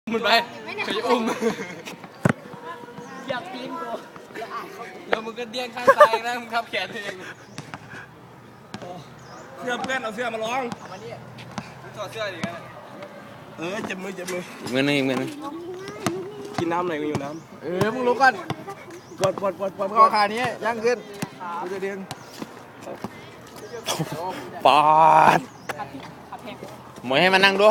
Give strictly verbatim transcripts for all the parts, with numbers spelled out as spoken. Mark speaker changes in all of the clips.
Speaker 1: มันไปไปอุ้ม
Speaker 2: อยากกินกู
Speaker 1: แล้วมึงก็เดี้ยงข้างซ้ายนะมึงทับแขนเอง
Speaker 3: เสื้อเพื่อนเอาเสื้อมาลอง
Speaker 1: มาดิมึงถอดเสื้อดิกัน
Speaker 3: เออเจ็บมือเจ็บมือ
Speaker 1: มือนึงอีกมือนึง
Speaker 3: กินน้ำหน่อยกูอยู่น้
Speaker 2: ำเออมึงรู้ก่อน
Speaker 3: กดกดกดกด
Speaker 2: ข้อขานี้ย่างขึ้นกูจะเดียง
Speaker 1: ปอดหมวยให้มานั่งดู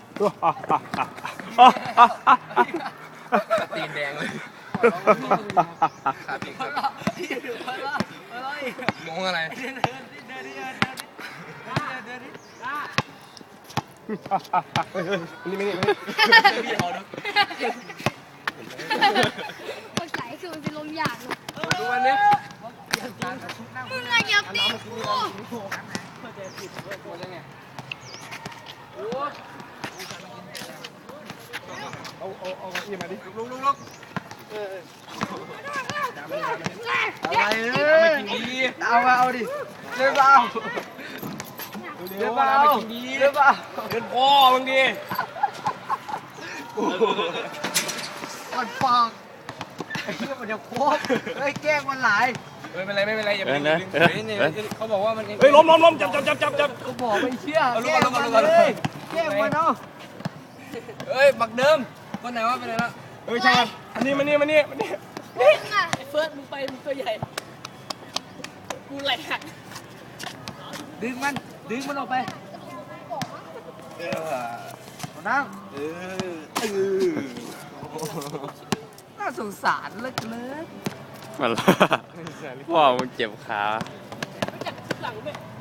Speaker 1: ตีนแดงเลยขาตีนมองอะไร
Speaker 3: นี่ไม่นี่ไม่
Speaker 4: พี่เอาดูคนไหลคือมันเป็นลมหยาด
Speaker 1: ดูอันนี้
Speaker 4: มึงอะอย่าตีกู
Speaker 3: เอาเอาเอาอีมาดิ
Speaker 1: ลุกลุกลุก
Speaker 2: อะไรเนี่ยเอามาเอาดิเร็วเอาเร็วเอาเร็วเอา
Speaker 3: เกินพ่อมึงดิ
Speaker 2: มันฟังไอ้เหี้ยมันจะโคตรไอ้แก้งมันหลาย
Speaker 1: ไม่เป็นไรไม่เป็นไรอย่าไปดึงเขาบอกว่ามัน
Speaker 3: เฮ้ยล้มล้มล้มจับจับจับจับจับ
Speaker 2: กูบอกไม่เชื่อแก้งมันเลยแก้งมันเนาะ
Speaker 1: เฮ้ยบักเดิมคนไหนว่าไปไหนละ
Speaker 3: เฮ้ยใช่อันนี้มานี่มานี่มานี่
Speaker 4: มึงอะ
Speaker 2: ไอ้เฟิร์สมึงไปมึงตัวใหญ่กูไหลหักดึงมันดึงมันออกไป
Speaker 3: เออ
Speaker 2: นั่ง
Speaker 3: เออเออ
Speaker 2: น่าสงสารเหลือเกิน
Speaker 1: มันพ่อมึงเจ็บขา
Speaker 2: จับหลังไป